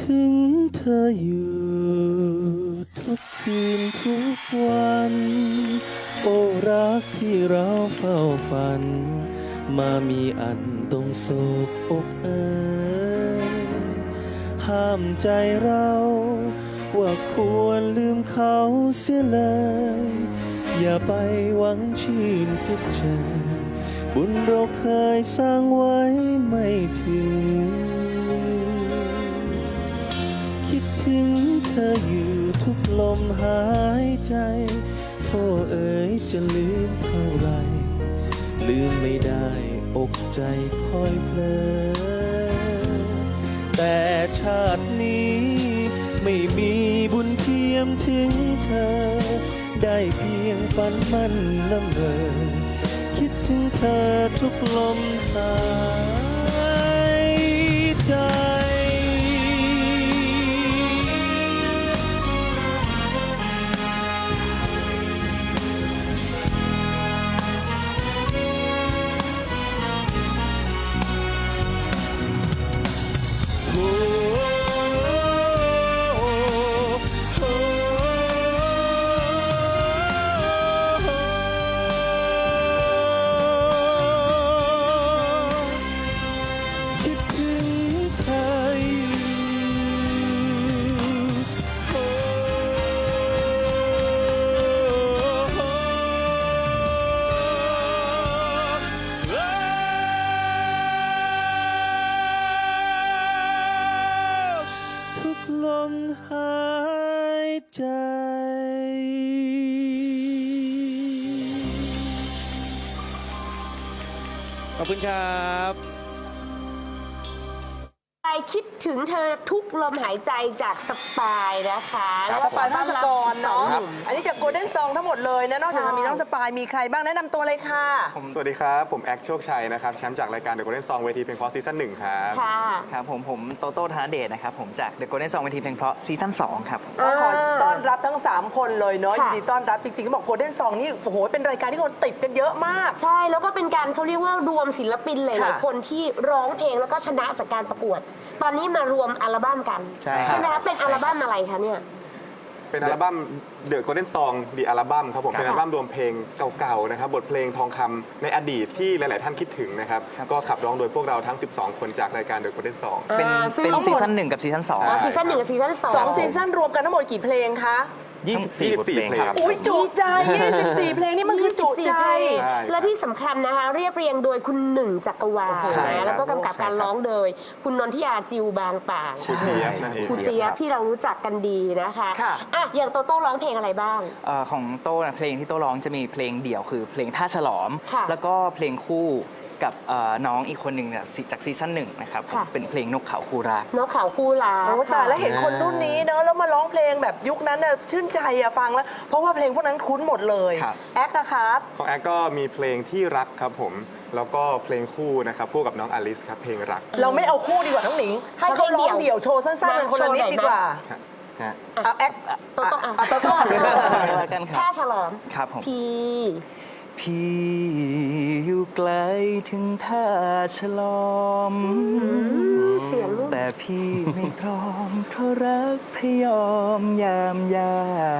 ถึงเธออยู่ทุกคืนทุกวันโอ้รักที่เราเฝ้าฝันมามีอันต้องโศกอกเอ่ยห้ามใจเราว่าควรลืมเขาเสียเลยอย่าไปหวังชื่นพิจารบุญเราเคยสร้างไว้ไม่ถึงคิดถึงเธออยู่ทุกลมหายใจโทษเอ๋ยจะลืมเท่าไรลืมไม่ได้อกใจคอยเพลอแต่ชาตินี้ไม่มีบุญเทียมถึงเธอได้เพียงฝันมันละเมอคิดถึงเธอทุกลมหายใจลมหายใจขอบคุณครับคิดถึงเธอทุกลมหายใจจากสปายนะคะแล้วก็ปายภาสกรเนาะอันนี้จากโกลเด้นซองทั้งหมดเลยนะนอกจากจะมีน้องสปายมีใครบ้างแนะนำตัวเลยค่ะสวัสดีครับผมแอคโชคชัยนะครับแชมป์จากรายการ The Golden Song เวทีเพลงเพราะซีซั่น 1ครับครับผมโตโต้ธนเดชนะครับผมจาก The Golden Song เวทีเพลงเพราะซีซั่น 2ครับต้องขอต้อนรับทั้ง3คนเลยเนาะยินดีต้อนรับจริงๆก็บอกโกลเด้นซองนี่โอ้โหเป็นรายการที่คนติดกันเยอะมากใช่แล้วก็เป็นการเขาเรียกว่ารวมศิลปินหลายๆคนที่ร้องเพลงแล้วก็ชนะจากการประกวดตอนนี้มารวมอัลบั้มกันใช่ไหมคะเป็นอัลบั้มอะไรคะเนี่ยเป็นอัลบั้ม The Golden Song The Album ครับผมเป็นอัลบั้มรวมเพลงเก่าๆนะครับบทเพลงทองคำในอดีตที่หลายๆท่านคิดถึงนะครับก็ขับร้องโดยพวกเราทั้ง12คนจากรายการ The Golden Song เป็นซีซั่น 1กับซีซั่น 2 ซีซั่น 1กับซีซั่น 2 ซีซั่นรวมกันทั้งหมดกี่เพลงคะ 24 บทเพลงครับอุ้ยจุใจ24เพลงนี่มันคือจุใจและที่สำคัญนะคะเรียบเรียงโดยคุณหนึ่งจักรวาลแล้วก็กำกับการร้องโดยคุณนนทิยาจิวบางป่างชูเจี๊ยบชูเจี๊ยบที่เรารู้จักกันดีนะคะอย่างโตโต้ร้องเพลงอะไรบ้างของโต้เพลงที่โต้ร้องจะมีเพลงเดี่ยวคือเพลงท่าฉลอมแล้วก็เพลงคู่กับน้องอีกคนหนึ่งเนี่ยจากซีซั่น 1นะครับเป็นเพลงนกเขาคู่รักนกเขาคู่รักแต่แล้วเห็นคนรุ่นนี้เนอะแล้วมาร้องเพลงแบบยุคนั้นน่ะชื่นใจอะฟังแล้วเพราะว่าเพลงพวกนั้นคุ้นหมดเลยแอคนะครับของแอคก็มีเพลงที่รักครับผมแล้วก็เพลงคู่นะครับคู่กับน้องอลิสครับเพลงรักเราไม่เอาคู่ดีกว่าน้องหนิงให้เขาร้องเดี่ยวโชว์สั้นๆเป็นคนละนิดดีกว่าเอาแอคโตโต้กันครับท่าฉลอมครับผมพี่อยู่ไกลถึงท่าฉลอมแต่พี่ไม่พร้อมเพราะรักพยอมยามยา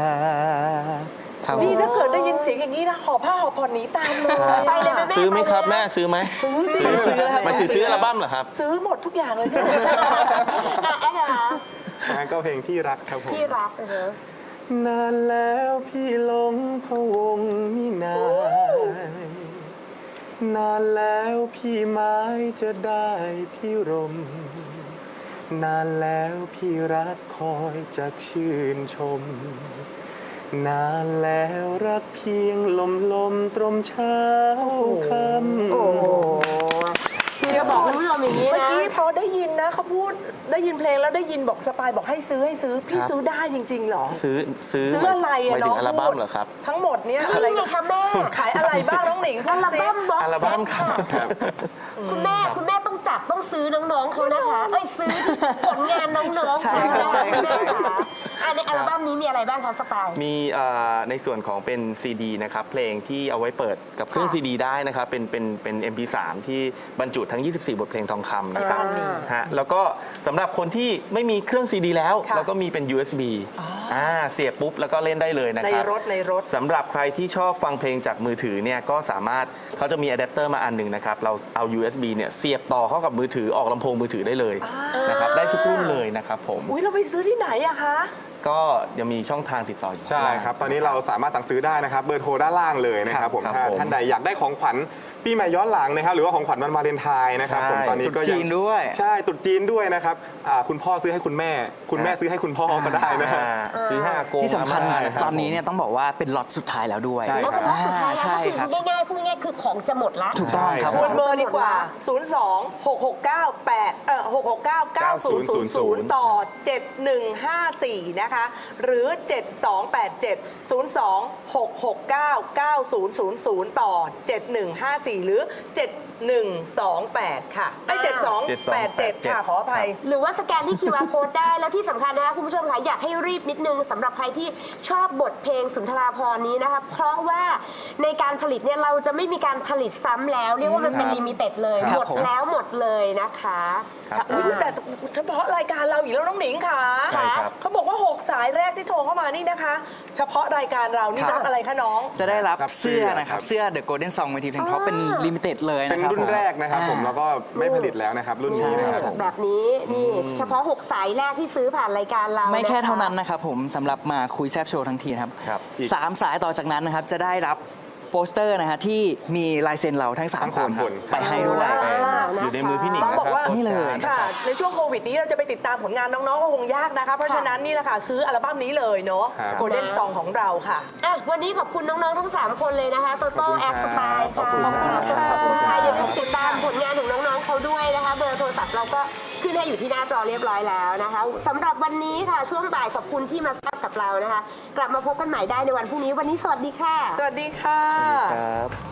นี่ถ้าเกิดได้ยินเสียงอย่างนี้นะห่อผ้าห่อผ่อนหนีตามเลยไปเลยแม่ซื้อไหมครับแม่ซื้อไหมซื้อมาซื้ออัลบั้มเหรอครับซื้อหมดทุกอย่างเลยแอ๊กนะคะงั้นก็เพลงที่รักครับผมที่รักนานแล้วพี่หลงพะวงมินายนานแล้วพี่ไม้จะได้พี่รมนานแล้วพี่รักคอยจากชื่นชมนานแล้วรักเพียงลมตรมเช้าคำพี่จะบอกคุณผู้ชมอย่างนี้นะเมื่อกี้พอได้ยินนะเขาพูดได้ยินเพลงแล้วได้ยินบอกสปายบอกให้ซื้อพี่ซื้อได้จริงๆหรอซื้ออะไรอะน้องอัลบั้มเหรอครับทั้งหมดเนี้ยอะไรคะแม่ขายอะไรบ้างน้องหนิงอัลบั้มบ็อกเซตค่ะคุณแม่ต้องจัดต้องซื้อน้องๆเขานะคะซื้อผลงานน้องๆใช่ค่ะในอัลบั้มนี้มีอะไรบ้างคะสปายมีในส่วนของเป็นซีดีนะครับเพลงที่เอาไว้เปิดกับเครื่องค่ะซีดีได้นะครับเป็น MP3 ที่บรรจุทั้ง 24 บทเพลงทองคำนะครับ ฮะแล้วก็สำหรับคนที่ไม่มีเครื่องซีดีแล้วค่ะแล้วก็มีเป็น USB เสียบปุ๊บแล้วก็เล่นได้เลยนะในครับรถสำหรับใครที่ชอบฟังเพลงจากมือถือเนี่ยก็สามารถเขาจะมีอะแดปเตอร์มาอันหนึ่งนะครับเราเอา USB เนี่ยเสียบต่อเข้ากับมือถือออกลำโพงมือถือได้เลยนะครับได้ทุกรุ่นเลยนะครับผมอุ้ยเราไปซื้อที่ไหนอะคะก็ยังมีช่องทางติดต่ออยู่ใช่ครับ ตอนนี้เราสามารถสั่งซื้อได้นะครับ เบอร์โทรด้านล่างเลยนะครับผมครับถ้าผมท่านใดอยากได้ของขวัญปีใหม่ย้อนหลังนะครับ หรือว่าของขวัญวันวาเลนไทน์นะครับผมใช่ตอนนี้ก็ตรุษจีนด้วยใช่ตรุษจีนด้วยนะครับคุณพ่อซื้อให้คุณแม่ คุณแม่ซื้อให้คุณพ่อก็ได้นะครับซื้อให้อากงที่สำคัญอาม่าะรับตอนนี้เนี่ยต้องบอกว่าเป็นล็อตสุดท้ายแล้วด้วยใช่แล้วก็สุดท้ายแล้วใช่ก็คือครับง่ายๆพูดง่ายๆคือของจะหมดละถูกต้องครับทวนเบอร์ดีกว่า 669 ต่อ 7154 นะคะ หรือ 7287 02 669 9000 ต่อ 7154 หรือ 7128 ค่ะไอ้7287 ค่ะ ขออภัยหรือว่าสแกนที่ QR code ได้ แล้วที่สำคัญนะคะคุณผู้ชมคะอยากให้รีบนิดนึงสำหรับใครที่ชอบบทเพลงสุนทราภรณ์นี้นะคะเพราะว่าในการผลิตเนี่ยเราจะไม่มีการผลิตซ้ำแล้ว เรียกว่ามันเป็นลิมิเต็ดเลยครับหมดแล้วหมดเลยนะคะครับอุ๊ยแต่เฉพาะรายการเราอีกแล้วน้องหนิงค่ะใช่ครับเขาบอกว่า 6 สายแรกที่โทรเข้ามานี่นะคะ เฉพาะรายการเรานี่ครับรับอะไรคะน้องจะได้รับรับเสื้เสื้ออนะครับครับเสื้อ The Golden Song เวทีเพลงเพราะเป็นลิมิเต็ดเลยเป็นะนครับรุ่นแรกนะครับผมแล้วก็ไม่ผลิตแล้วนะครับ รุ่นนี้นะครับผมแบบนี้นี่เฉพาะ 6 สายแรกที่ซื้อผ่านรายการเราไม่แค่ะะเท่านั้นนะครับผมสำหรับมาคุยแซบโชว์ทั้งทีนะครับครับ 3 สายต่อจากนั้นนะครับจะได้รับโปสเตอร์นะฮะที่มีลายเซ็นเราทั้งทั้ง 3 คน 3คนไปให้ด้วยอยู่ในมือพี่หนิงต้องนะบอกครับว่านี่เลยค่ะ ในช่วงโควิดนี้เราจะไปติดตามผลงานน้องๆก็คงยากนะคะ เพราะฉะนั้นนี่แหละค่ะ ซื้ออัลบั้มนี้เลยเนาะครับ Golden Song ของเราค่ะอ่ะวันนี้ขอบคุณน้องๆทั้ง 3 คนเลยนะคะโตโต้ขอบคุณแอครับสปายขอบค่ะคุณครับขอบคุณค่ะอย่าลืมติดตามผลงานของน้องๆเขาด้วยนะคะเบอร์โทรศัพท์เราก็ขึ้นให้อยู่ที่หน้าจอเรียบร้อยแล้วนะคะสำหรับวันนี้ค่ะช่วงบ่ายขอบคุณที่มาแซ่บกับเรานะคะ กลับมาพบกันใหม่ได้ในวันพรุ่งนี้วันนี้สวัสดีค่ะสวัสดีค่ะครับ